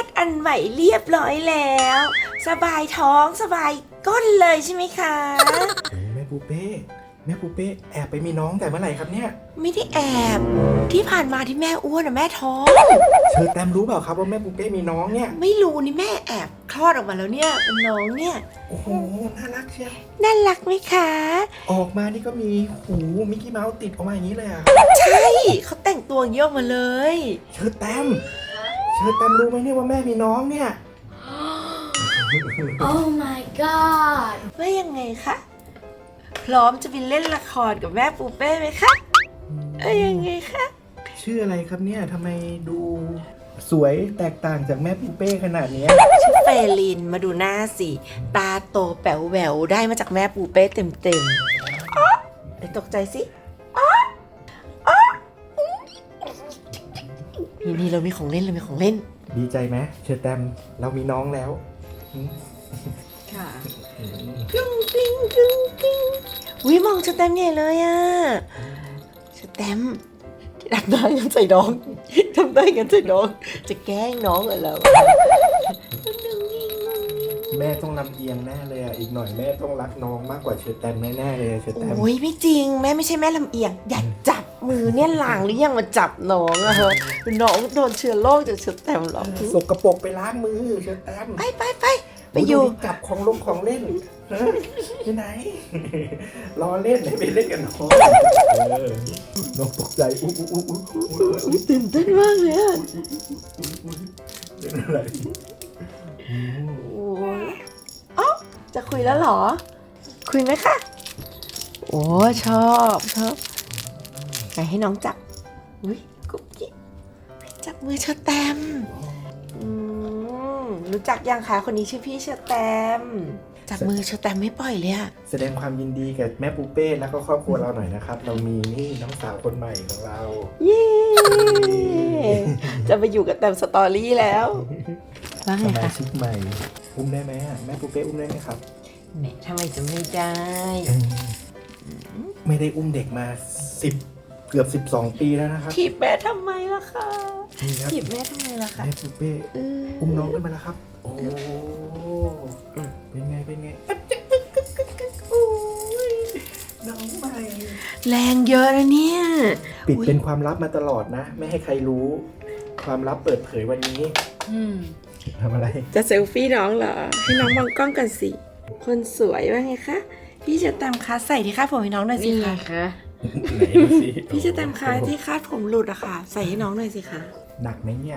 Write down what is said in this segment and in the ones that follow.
ดอันใหม่เรียบร้อยแล้ว สบายท้องสบายก้นเลยใช่ไหมคะแม่ปูเป้แอบไปมีน้องแต่เมื่อไหร่ครับเนี่ยไม่ได้แอบที่ผ่านมาที่แม่อ้วนอะแม่ท้องเชอแตมรู้เปล่าครับว่าแม่ปูเป้มีน้องเนี่ยไม่รู้นี่แม่แอบคลอดออกมาแล้วเนี่ยเป็นน้องเนี่ยโอ้โหน่ารักเชียวน่ารักไหมคะออกมานี่ก็มีหูมิกกี้เมาส์ติดออกมาอย่างนี้เลยอะใช่เขาแต่งตัวอย่างนี้ออกมาเลยเชอแตมรู้ไหมเนี่ยว่าแม่มีน้องเนี่ย Oh my god ว่ายังไงคะพร้อมจะไปเล่นละครกับแม่ปูเป้ไหมคะยังไงคะชื่ออะไรครับเนี่ยทำไมดูสวยแตกต่างจากแม่ปูเป้ขนาดเนี้ยชื่อเฟลินมาดูหน้าสิตาโตแป๋วแหววได้มาจากแม่ปูเป้เต็มๆอ๊ะเดี๋ยวตกใจสิอ๊ะอ๊ะนี่เรามีของเล่นดีใจไหมเชอแตมเรามีน้องแล้วค่ะกึ้งกลิ้งกึ้งกลิ้งวิมองสแตมป์ใหญ่เลยอ่ะสแตมป์ทำได้กันใส่น้องจะแกล้งน้องเหรอแม่ต้องลำเอียงแน่เลยอ่ะอีกหน่อยแม่ต้องรักน้องมากกว่าเชอแตมแน่ๆเลยเชอแตมโอ้ยไม่จริงแม่ไม่ใช่แม่ลำเอียงอย่าจับมือเนี่ยหลางหรือยังมาจับน้องอะฮะน้องโดนเชื้อโรคจากสแตมป์หรอกสกปรกไปล้างมือเชอแตมไปอยู่จับของเล่นฮะไปไหน รอเล่นให้ไปเล่นกันน้องน้องตกใจอุ๊ยตื่นเต้นมากเลยอะเป็นอะไรโอ้ยอ๋อจะคุยแล้วเหรอ คุยไหมคะโอ้ชอบไหนให้น้องจับอุ้ยกุ๊กกิ๊กจับมือเชอแตมรู้จักยังคะคนนี้ชื่อพี่เชอแตมจับมือเชอแตมไม่ปล่อยเลยอะแสดงความยินดีกับแม่ปูเป้แล้วก็ครอบครัวเราหน่อยนะครับ เรามีนี่น้องสาวคนใหม่ของเราเย้จะไปอยู่กับแตมสตอรี่แล้วว่าสไงมาคะชิกใหม่อุ้มได้ไหมอะแม่ปูเป้อุ้มได้ไหมครับแหมทำไมจะไม่ได้ไม่ได้อุ้มเด็กมา10เกือบ12 ปีแล้วนะครับถีบแม่ทำไมล่ะคะนี่ครับถีบแม่ทำไมล่ะคะแม่ปูเป้อุ้มน้องขึ้นมาแล้วครับ โอ้เป็นไงโอ้ยน้องใหม่แรงเยอะนะเนี่ยปิดเป็นความลับมาตลอดนะ ไม่ให้ใครรู้ ความลับเปิดเผยวันนี้ทำอะไรจะเซลฟี่น้องเหรอ ให้น้องมองกล้องกันสิ คนสวยว่าไงคะ พี่จะตามคะใส่ที่คาดผมให้น้องหน่อยสิคะไหนดูสิพี่จะตามคะที่คาดผมหลุดอะค่ะ ใส่ให้น้องหน่อยสิคะหนักไหมเนี่ย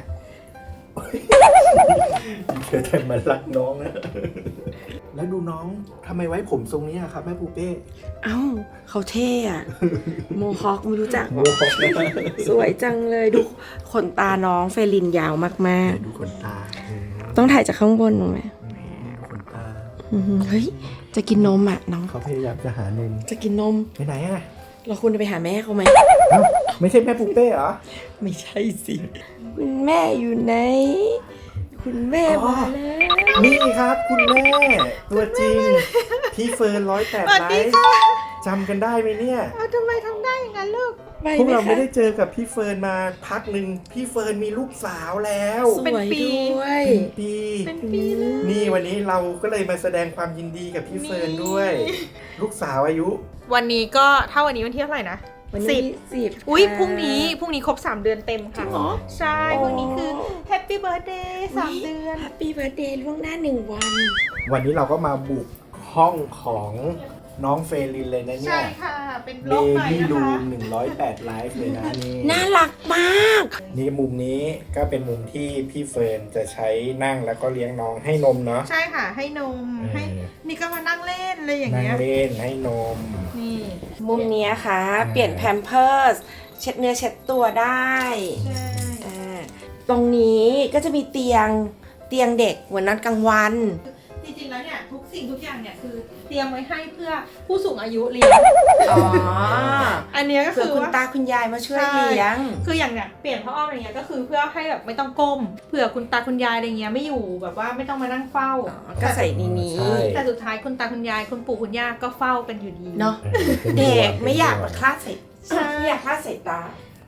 เชื่อแต่มันรักน้องนะแล้วดูน้องทำไมไว้ผมทรงนี้อะครับแม่ปูเป้เอ้าเขาเท่อะโมฮอคไม่รู้จักโอ้โหสวยจังเลยดูขนตาน้องเฟลินยาวมากดูขนตาๆ ต้องถ่ายจากข้างบนถูกไหมขนตาเฮ้ยจะกินนมอะน้องเขาพยายามจะหานมจะกินนมไปไหนอะเราควรจะไปหาแม่เขาไหมเอ้าไม่ใช่แม่ปูเป้เหรอไม่ใช่สิ คุณแม่อยู่ไหน คุณแม่มาแล้วนี่ครับคุณแม่ ตัวจริง พี่เฟิร์น108 ไลฟ์จำกันได้ไหมเนี่ยทำไมทำได้อย่างนั้นลูกไปพวกไหมเราไม่คะได้เจอกับพี่เฟิร์นมาพักหนึ่งพี่เฟิร์นมีลูกสาวแล้วสวยด้วยเป็นปีนี่วันนี้เราก็เลยมาแสดงความยินดีกับพี่เฟิร์นด้วย ลูกสาวอายุวันนี้ก็ถ้าวันนี้วันที่เท่าไหร่นะวันสินี้บ 10 อุ้ยค่ะพรุ่งนี้ครบ3 เดือนเต็มค่ะจริงเหรอใช่อ๋อพรุ่งนี้คือ Happy Birthday 3 เดือนแฮปปี้เบิร์ดเดย์ล่วงหน้า1 วันวันนี้เราก็มาบุกห้องของน้องเฟรลินเลยนะเนี่ใช่ยค่ะ เป็นเบโลกใหม่บี้นะรูคะม108 ไลฟ์เลยนะนี่น่ารักมากนี่มุมนี้ก็เป็นมุมที่พี่เฟิร์นจะใช้นั่งแล้วก็เลี้ยงน้องให้นมเนาะใช่ค่ะ ให้นม ให้ นี่ก็มานั่งเล่นเลยอย่างนั่งเงี้ยเล่นให้นมนี่มุมเนี้ยค่ะ เปลี่ยนแพมเพิร์สเช็ดเนื้อเช็ดตัวได้ใช่ตรงนี้ก็จะมีเตียงเด็กเหมือนนอนกลางวันจริงๆแล้วเนี่ยทุกสิ่งทุกอย่างเนี่ยคือเตรียมไว้ให้เพื่อผู้สูงอายุเลี้ยงอ๋ออันเนี้ยก็เผื่อคือคุณว่าตาคุณยายมาช่วยเลี้ยงคืออย่างเนี้ยเปลี่ยนผ้าอ้อมอะไรเงี้ยก็คือเพื่อให้แบบไม่ต้องก้มเผื่อคุณตาคุณยายอะไรเงี้ยไม่อยู่แบบว่าไม่ต้องมานั่งเฝ้าก็ใส่ในนี้ใช่แต่สุดท้ายคุณตาคุณยายคุณปู่คุณย่าก็เฝ้ากันอยู่ดีเนาะป็นเด็กห่วงไม่อยากมาคลาดใส่ใช่ไม่อยากคลาดใส่ตา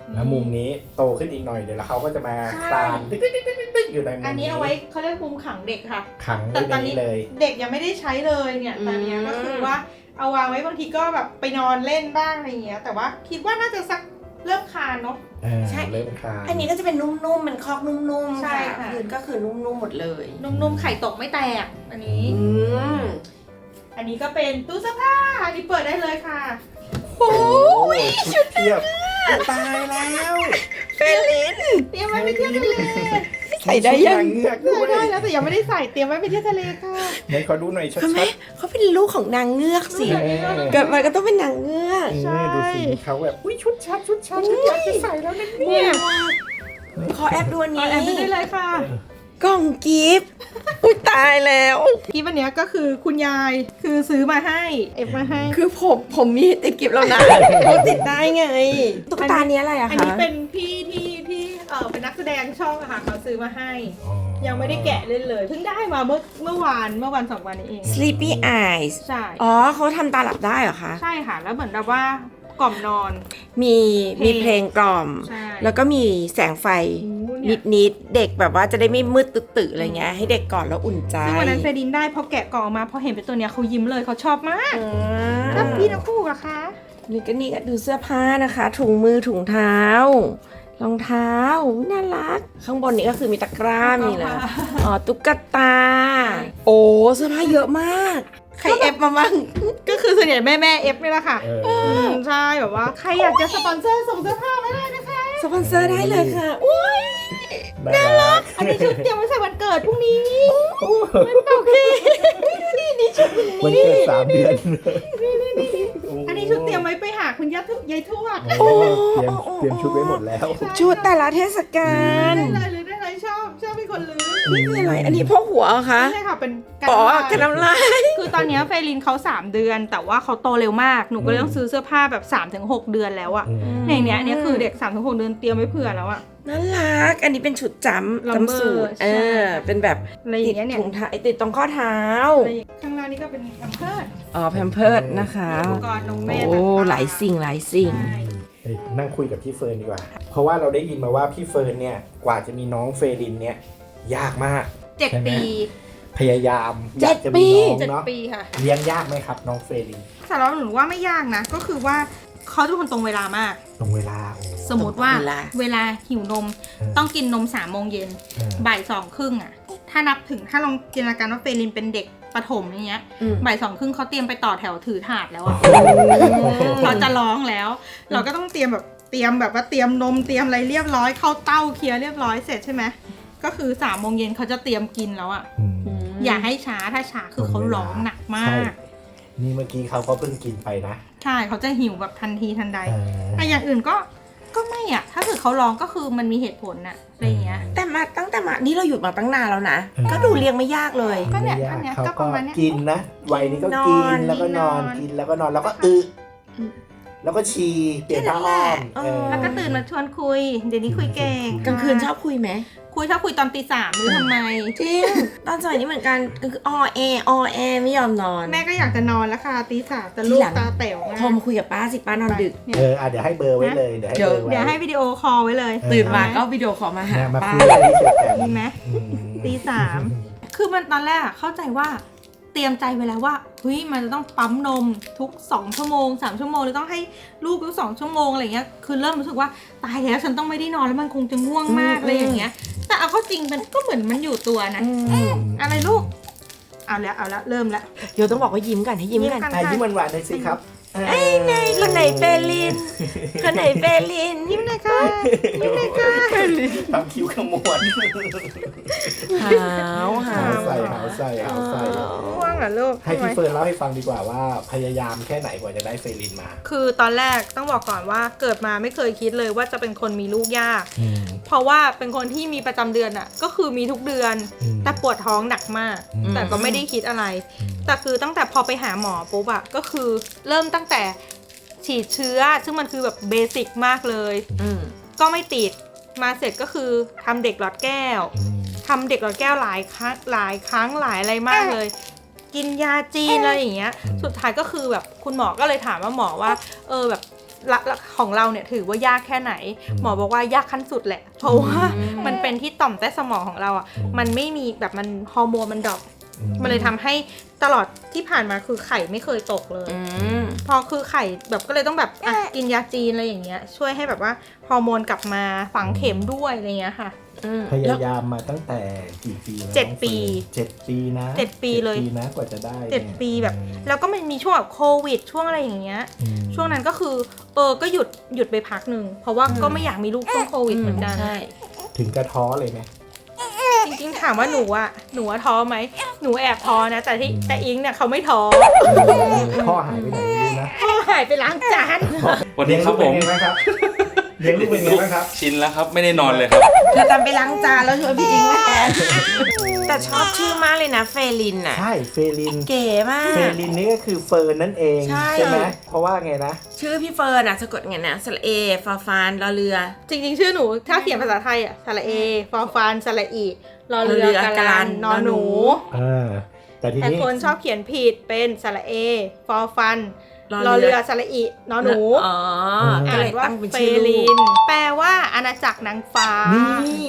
แล้วมุมนี้โตขึ้นอีกหน่อยเดี๋ยวแล้วเขาก็จะมาคลานตึ๊กๆๆๆอยู่ในมุมอันนี้เอาไว้เขาเรียกมุมขังเด็กค่ะขังแต่ไว้ตอนในนี้นี้เลยเด็กยังไม่ได้ใช้เลยเนี่ยตอนนี้ก็คือว่าเอาวางไว้บางทีก็แบบไปนอนเล่นบ้างอะไรอย่างเงี้ยแต่ว่าคิดว่าน่าจะสักเริ่มคลานเนาะเริ่มคลานอันนี้ก็จะเป็นนุ่มๆมันคอกนุ่มๆใช่ค่ะค่ะพื้นก็คือนุ่มๆหมดเลยนุ่มๆไข่ตกไม่แตกอันนี้มอันนี้ก็เป็นตู้เสื้อผ้าอันนี้เปิดได้เลยค่ะโอ้โอ้ยชุดเทียบตายแล้วเฟลินเตรียมไว้ไปเที่ยวทะเลใส่ได้ยังชุนางเงือกด้วยได้แล้วแต่ยังไม่ได้ใส่เตรียมไว้ไปเที่ยวทะเลค่ะไหนขอดูหน่อยชัดเขาไหมเขาเป็นลูกของนางเงือกสิเออเกิดมาก็ต้องเป็นนางเงือกใช่ดูสิเขาแบบอุ้ยชุดชัดฉันอยากจะใส่แล้วนะเนี่เนี่ย ยขอแอบดูอันเอานี้แอบไปได้เลยค่ะกล่องกิฟต์อุ้ยตายแล้วคลิปอันเนี้ยก็คือคุณยายคือซื้อมาให้เอฟมาให้คือผมมีติดกิฟต์แล้วนะเขาติดได้ไงตุ๊กตาเนี้ยอะไรอะอันคะนี้เป็นพี่ที่เป็นนักแสดงช่องอะค่ะเขาซื้อมาให้ ยังไม่ได้แกะเล่นเลยเพิ่งได้มาเมื่อวานสองวันนี้เอง Sleepy Eyes ใช่อ๋อเขาทำตาหลับได้เหรอคะใช่ค่ะ แล้วเหมือนแบบว่ากล่อมนอนมีเพลงกล่อมใช่แล้วก็มีแสงไฟโอ้เนี่ยนิดๆเด็กแบบว่าจะได้ไม่มืดตึๆอะไรเงี้ยให้เด็กก่อนแล้วอุ่นใจซึ่งวันนั้นเฟรดินได้พอแกะกล่องออกมาพอเห็นเป็นตัวเนี้ยเขายิ้มเลยเขาชอบมากอืแล้วมพี่น้องคู่อะคะนี่ก็ดูเสื้อผ้านะคะ ถุงมือถุงเท้ารองเท้าน่ารัก ข้างบนนี้ก็คือมีตะกร้ามีเลยอ๋อตุ๊กตา โอ้เสื้อผ้าเยอะมากใครเอฟมาบ้างก็คือส่วนใหญ่แม่เอฟนี่แหละค่ะเออใช่แบบว่าใครอยากจะสปอนเซอร์ส่งเสื้อผ้าไม่ได้นะคะสปอนเซอร์ได้เลยค่ะอุ้ยน่ารักอันนี้ชุดเตรียมไว้ใส่วันเกิดพรุ่งนี้โอเคนี่ชุดมันเกิด3 เดือนอันนี้ชุดเตรียมไว้ไปหาคุณยายทวดโอ้เตรียมชุดไว้หมดแล้วชุดแต่ละเทศกาลได้เลยได้เลยชอบเป็นคนลื้อนี่คืออะไรอันนี้พกหัวเหรอคะใช่ค่ะเป็นการอ๋อบ้านกระน้ำลายคือตอนเนี้ยเฟรลินเขา3 เดือน แต่ว่าเขาโตเร็วมากหนูก็เลยต้องซื้อเสื้อผ้าแบบ 3-6 เดือนแล้วอะในเนี้ยเนี่ยคือเด็ก 3-6 เดือนเตรียมไว้เผื่อแล้วอะน่ารัก อันนี้เป็นชุดจำ Lumber จำสูตรใช่เป็นแบบอะไรอติย่าดงเงี้ยเนี่ยถุงเท้าติดตรงข้อเท้าข้างล่างนี่ก็เป็นแพมเพิร์สอ๋อแพมเพิร์ดนะคะอุปกรณ์นมแม่โอ้ต่างๆหลายสิ่งหลายสิ่งใช่นั่งคุยกับพี่เฟิร์นดีกว่า เพราะว่าเราได้ยินมาว่าพี่เฟิร์นเนี่ยกว่าจะมีน้องเฟรินเนี่ยยากมาก 7 ปีพยายามอยากจะมีน้องเนาะ 7 ปีค่ะเลี้ยงยากไหมครับน้องเฟรินสำหรับหนูว่าไม่ยากนะ ก็คือว่าเขาทุกคนตรงเวลามากตรงเวลาโอ้สมมติว่าตรงเวลาเวลาหิวนม ต้องกินนม3 โมงเย็นเออบ่าย 2 ครึ่งอะถ้านับถึงถ้าลองจินตนาการว่าเฟรลินเป็นเด็กประถมอย่างเงี้ยอืมบ่าย 2 ครึ่งเขาเตรียมไปต่อแถวถือถาดแล้วอะเขาจะร้องแล้ว เราก็ต้องเตรียมแบบว่าเตรียมนมเตรียมอะไรเรียบร้อยเข้าเต้าเคลียร์เรียบร้อยเสร็จใช่ไหมก็คือ3 โมงเย็นเขาจะเตรียมกินแล้วอะ อย่าให้ช้าถ้าช้าคือเขาร้องหนักมาใช่กนี่เมื่อกี้เขาก็เพิ่งกินไปนะใช่เขาจะหิวแบบทันทีทันใดเออแต่อย่างอื่นก็ไม่อะถ้าเกิดเขาร้องก็คือมันมีเหตุผลน่ะอะไรอย่างเงี้ยแต่มาตั้งแต่มานี่เราหยุดมาตั้งนานแล้วนะเออก็ดูเลี้ยงไม่ยากเลยก็เนี่ยไม่ยาอันเนี้ยเขาก็ประมาณเนี้ยกินนะวัยนี้ก็นอนกินแล้วก็นอนนอนกินแล้วก็นอนแล้วก็แล้วก็ฉี่เปลี่ยนผ้าอ้อมแค่นั้นแหละแล้วก็ตื่นมาชวนคุย เดี๋ยวนี้คุยเก่งกลางคืนชอบคุยไหมชอบคุยตอนตี 3หรือทำไมจริง ตอนสมัยนี้เหมือนกันก็คือออแอไม่ยอมนอนแม่ก็อยากจะนอนแล้วค่ะตี 3แต่ลูกตาแต๋วมากโทรมาคุยกับป้าสิป้านอนดึกเนี่ยเดี๋ยวให้เบอร์ไว้เลยเดี๋ยวให้เบอร์ไว้เดี๋ยวให้วิดีโอคอลไว้เลยตื่นมาก็วิดีโอคอลมาหาเนี่ยมาป้าคุยกันที่เฉยๆดีไหมอืมตี 3 คือมันตอนแรกอะเข้าใจว่าเตรียมใจไว้แล้วว่าเฮ้ยมันจะต้องปั๊มนมทุก2 ชั่วโมง3 ชั่วโมงหรือต้องให้ลูกทุก2 ชั่วโมงอะไรเงี้ยคือเริ่มรู้สึกว่าตายแล้วฉันต้องไม่ได้นอนแล้วมันคงจะง่วงมากอะไรอย่างเงี้ยแต่เอาเข้าจริงมันก็เหมือนมันอยู่ตัวนะอะไรลูกเอาแล้วเริ่มแล้วเดี๋ยวต้องบอกว่ายิ้มกันให้ยิ้มกันอ่ะยิ้มหวานๆหน่อยสิครับคนไหนเฟลิน คนไหนเฟลินยิ้มหน่อยค่ะยิ้มหน่อยค่ะทำคิ้วขมวดหาวหาหาว ใส่หาวใส่หาวใส่ง่วงเหรอลูกให้พี่เฟิร์นเล่าให้ฟังดีกว่าว่าพยายามแค่ไหนกว่าจะได้เฟรินมาคือตอนแรกต้องบอกก่อนว่าเกิดมาไม่เคยคิดเลยว่าจะเป็นคนมีลูกยาก เพราะว่าเป็นคนที่มีประจำเดือนอะก็คือมีทุกเดือน แต่ปวดท้องหนักมาก แต่ก็ไม่ได้คิดอะไร แต่คือตั้งแต่พอไปหาหมอปุ๊บอะก็คือเริ่มตั้งแต่ฉีดเชื้อ ซึ่งมันคือแบบเบสิกมากเลย ก็ไม่ติด มาเสร็จก็คือทำเด็กหลอดแก้วทำเด็กหลอดแก้วหลายครั้งหลายอะไรมากเลย กินยาจีนอะไรอย่างเงี้ย สุดท้ายก็คือแบบคุณหมอก็เลยถามว่าหมอว่าแบบของเราเนี่ยถือว่ายากแค่ไหน หมอบอกว่ายากขั้นสุดแหละ เพราะว่ามันเป็นที่ต่อมใต้สมองของเราอ่ะมันไม่มีแบบมันฮอร์โมนมันดรอปมันเลยทำให้ตลอดที่ผ่านมาคือไข่ไม่เคยตกเลยพอคือไข่แบบก็เลยต้องแบบกินยาจีนอะไรอย่างเงี้ยช่วยให้แบบว่าฮอร์โมนกลับมาฝังเข็มด้วยอะไรเงี้ยค่ะพยายามมาตั้งแต่กี่ปีแล้ว 7 ปี 7 ปีนะ 7 ปีเลย 7 ปีนะกว่าจะได้ 7 ปีแบบแล้วก็มันมีช่วงแบบโควิดช่วงอะไรอย่างเงี้ยช่วงนั้นก็คือก็หยุดไปพักหนึ่งเพราะว่าก็ไม่อยากมีลูกช่วงโควิดเหมือนกันถึงกระท้อเลยไหมจริงๆถามว่าหนูท้อไหมหนูแอบท้อนะแต่อิงเนี่ยเขาไม่ท้อพ่อหายไปไหนไม่รู้นะพ่อหายไปล้างจานวันนี้ครับผมเลี้ยงลูกเป็นไงบ้างครับเลี้ยงลูกเป็นไงบ้างครับชินแล้วครับไม่ได้นอนเลยครับเธอตามไปล้างจานแล้วชวนพี่อิงมาแทนแต่ชอบชื่อมากเลยนะเฟลินอ่ะใช่เฟลินเก๋มากเฟลินนี่ก็คือเฟิร์นนั่นเองใช่ไหมเพราะว่าไงนะชื่อพี่เฟิร์นอ่ะสะกดไงนะสระเอฟาฟานรอเรือจริงๆชื่อหนูถ้าเขียนภาษาไทยอ่ะสระเอฟอฟานสระอีรอเรือกาลันนอหนูแต่ทีแต่นี้คนชอบเขียนผิดเป็นสระเอฟอฟันรอเรือสระอีนอหนูอ๋อก็อ่านเลยว่าตั้งเป็นเฟชื่อลิลูกนแปลว่าอาณาจักรนางฟ้านี่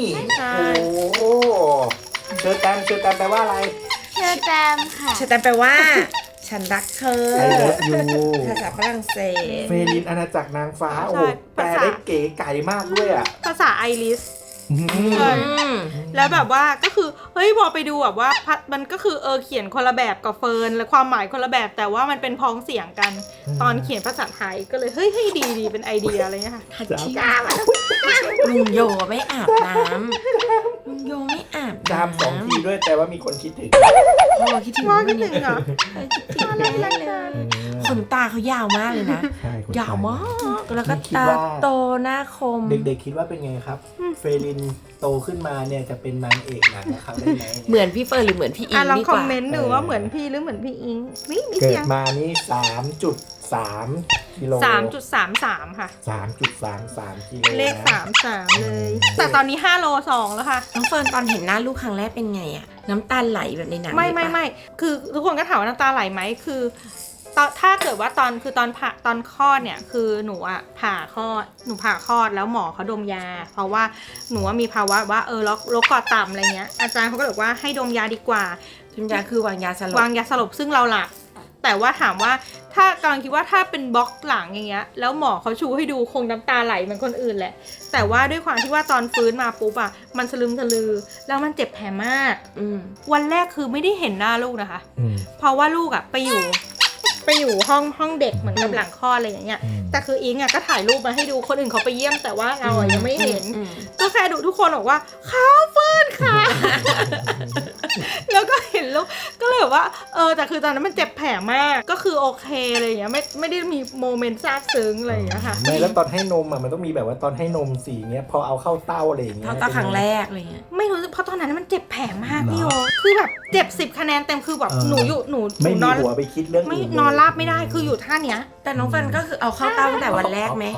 ใช่โอ้เชอร์แตมแปลว่าอะไรเชอแตมค่ะชะแตมแปลว่า ฉันรักเธอ I love you ภาษาฝรั่งเศสเฟลินอาณาจักรนางฟ้าโอ้โหแปลได้เก๋ไก่มากด้วยอ่ะภาษาไอริส ใช่ แล้วแบบว่าก็คือเฮ้ยพอไปดูแบบว่ามันก็คือเขียนคนละแบบกับเฟิร์นและความหมายคนละแบบแต่ว่ามันเป็นพ้องเสียงกัน ตอนเขียนภาษาไทยก็เลยเฮ้ยดีเป็นไอเดียอะไรเงี้ยค่ะทัชชี่ลุงโยไม่อาบน้ำลุงโยไม่อาบจามสองทีด้วยแต่ว่ามีคนคิดถึงพ่อคิดถึงว่าคิดถึงเหรอคิดถึงเลยขนตาเขายาวมากเลยนะใช่คนยาวมากแล้วก็คิดตาว่าโตหน้าคมเด็กๆคิดว่าเป็นไงครับ เฟลินโตขึ้นมาเนี่ยจะเป็นนางเอกหนังนะครับได้ไหมเหมือนพี่เฟิร์นหรือเหมือนพี่อิงลองดีคกอมว่าเมนต์ดูว่าเหมือนพี่หรือเหมือนพี่อิงมีเกิเสีดยงมานี่ 3.3 กิโล 3.33 ค่ะ 3.33 กิโลเลขนะ 33 เลย แต่ตอนนี้5โล2แล้วค่ะน้องเฟิร์นตอนเห็นหน้าลูกครั้งแรกเป็นไงอะน้ำตาไหลแบบในหนังไม่เลยปะไม่คือทุกคนก็ถามว่าน้ำตาไหลไหมคือถ้าเกิดว่าตอนคลอดเนี่ยคือหนูผ่าคลอดแล้วหมอเขาดมยา เพราะว่าหนูมีภาวะว่าโรคกอดต่ำอะไรเงี้ยอาจารย์เขาก็บอกว่าให้ดมยาดีกว่าทุนยาคือวางยาสลบวางยาสลบซึ่งเราหลับแต่ว่าถามว่าถ้ากำลังคิดว่าถ้าเป็นบล็อกหลังอย่างเงี้ยแล้วหมอเขาชูให้ดูคงน้ำตาไหลเหมือนคนอื่นแหละแต่ว่าด้วยความที่ว่าตอนฟื้นมาปุ๊บมันสลึมสลือแล้วมันเจ็บแผลมากวันแรกคือไม่ได้เห็นหน้าลูกนะคะเพราะว่าลูกไปอยู่ห้องเด็กเหมือนกับหลังคลอดอะไรอย่างเงี้ยแต่คืออิงก็ถ่ายรูปมาให้ดูคนอื่นเขาไปเยี่ยมแต่ว่าเรายังไม่เห็นก็แค่ดูทุกคนบอกว่าเขาเฟิร์นค่ะ แล้วก็เห็นลูกก็เลยแบบว่าแต่คือตอนนั้นมันเจ็บแผลมากก็คือโอเคอะไรอย่างเงี้ยไม่ได้มีโมเมนต์ซาบซึ้งอะไรอย่างเงี้ยค่ะไม่แล้วตอนให้นมมันต้องมีแบบว่าตอนให้นมสีเงี้ยพอเอาเข้าเต้าอะไรอย่างเงี้ยเขาตาครั้งแรกอะไรเงี้ยไม่รู้เพราะตอนนั้นมันเจ็บแผลมากพี่โอคือแบบเจ็บ10 คะแนนเต็มคือแบบหนูไม่นมีอนหัวไปคิดเรื่องไม่อื่นนอนราบไม่ได้คืออยู่ท่าเนี้ยแต่น้องเฟิร์นก็คือเอาเข้าเต้าตั้งแต่วันแรกไหม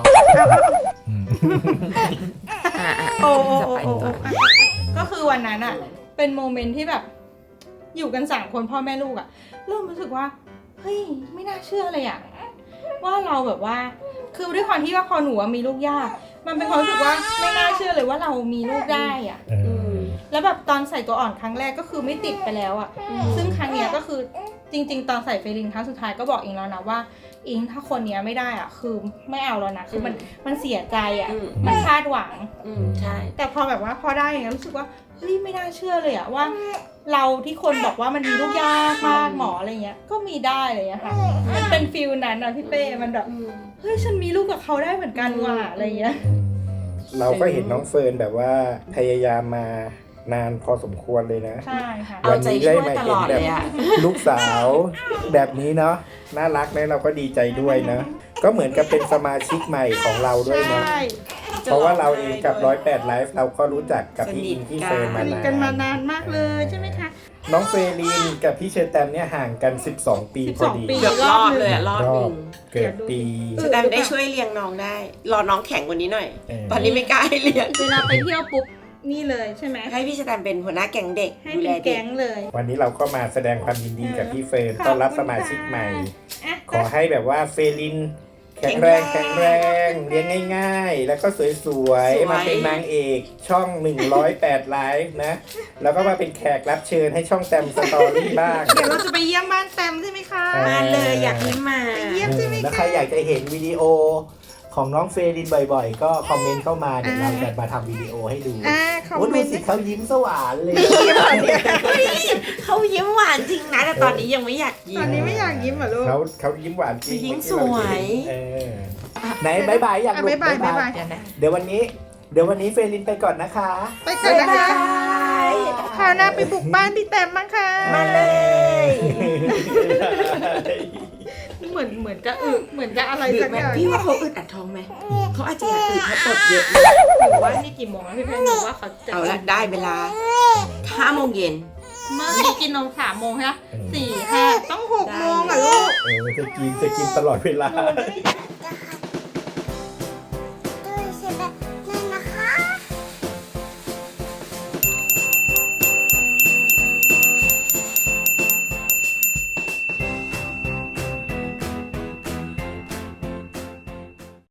โอ้จะไปต่อก็คือวันนั้นเป็นโมเมนต์ที่แบบอยู่กัน3 คนพ่อแม่ลูกเริ่มรู้สึกว่าเฮ้ยไม่น่าเชื่อเลยว่าเราแบบว่าคือด้วยความที่ว่าพอหนูมีลูกยากมันเป็นความรู้สึกว่าไม่น่าเชื่อเลยว่าเรามีลูกได้แล้วแบบตอนใส่ตัวอ่อนครั้งแรกก็คือไม่ติดไปแล้วซึ่งครั้งเนี้ยก็คือจริงๆตอนใส่เฟลินครั้งสุดท้ายก็บอกอิงแล้วนะว่าอิงถ้าคนเนี้ยไม่ได้คือไม่เอาแล้วนะคือมันเสียใจมันคาดหวังใช่แต่พอแบบว่าพอได้อย่างเงี้ยรู้สึกว่าเฮ้ยไม่น่าเชื่อเลยว่าเราที่คนบอกว่ามันมีลูกยากมากหมออะไรเงี้ยก็มีได้อะไรเงี้ยค่ะมันเป็นฟิลนั้นพี่เป้มันแบบเฮ้ยฉันมีลูกกับเขาได้เหมือนกันว่ะอะไรเงี้ยเราก็เห็นน้องเฟิร์นแบบว่าพยายามมานานพอสมควรเลยนะใช่ค่ะเอาใจช่วยตลอดเลยลูกสาวแบบนี้เนาะน่ารักนะเราก็ดีใจด้วยนะก็เหมือนกับเป็นสมาชิกใหม่ของเราด้วยนะเพราะว่าเราเองกับ108ไลฟ์เราก็รู้จักกับพี่อิงพี่เฟิร์นมาสนิทกันมานานมากเลยใช่ไหมคะน้องเฟลินกับพี่เชอร์แตมเนี่ยห่างกัน12 ปีพอดี 12 ปีเกือบรอบเลยรอบหนึ่งเกิดปีแต่ได้ช่วยเลี้ยงน้องได้ รอน้องแข็งกว่านี้หน่อย ตอนนี้ไม่กล้าให้เลี้ยงเวลาไปเที่ยวปุ๊บนี่เลยใช่ไหมให้พี่สแตมเป็นหัวหน้าแก๊งเด็กให้ดูเป็แลนเด็แก๊กงเลยวันนี้เราก็มาแสดงความยินดีกับพี่เฟิร์นขอบคุณต้อนรับสมาชิกใหม่ค่ะขอให้แบบว่าเฟลินแข็งแรงเลี้ยงง่ายๆ แล้วก็สวยๆ มาเป็นนางเอกช่อง 108 ไลฟ์นะ แล้วก็มาเป็นแขกรับเชิญให้ช่องแตมสตอรี่บ้างเดี๋ยวเราจะไปเยี่ยมบ้านแตมใช่ไหมคะมาเลยอยากยิ้มมาเยี่ยมใช่ไหมแล้วคะใครอยากจะเห็นวิดีโอของน้องเฟรินบ่อยๆ ก็คอมเมนต์เข้ามาเดี๋ยวเราจะมาทำวิดีโอให้ดูคอมโอ้เมดูนต์สิเขายิ้มสว่านเลยเขายิ้มหวานจริงนะแต่ตอนนี้ยังไม่อยากยิ้มตอนนี้ไม่อยากยิ้มเหรอลูกเขายิ้มหวานจริงยิ้มสวยเออไหนบายบายอยากลูกบ๊ายบายเดี๋ยวนะเดี๋ยววันนี้เฟรินไปก่อนนะคะไปก่อนนะคะบ๊ายบายคราวหน้าไปบุกบ้านพี่แตมบ้างค่ะมาเลยเหมือนจะเหมือนจะอะไรดึสักกไหมอย่างพี่ว่าเขาอึดอัดท้องไหมเขาอาจจะอยากอึดเพราะตดเยอะหรือว่านี่กี่โมงแล้วพี่แพนหนูว่าเขาจะเอาละได้เวลา5 โมงเย็นเมื่อกี้กินนม3 โมงใช่ไหม4 5ต้อง6 โมงอ่ะลูกจะกินตลอดเวลาหนูจะได้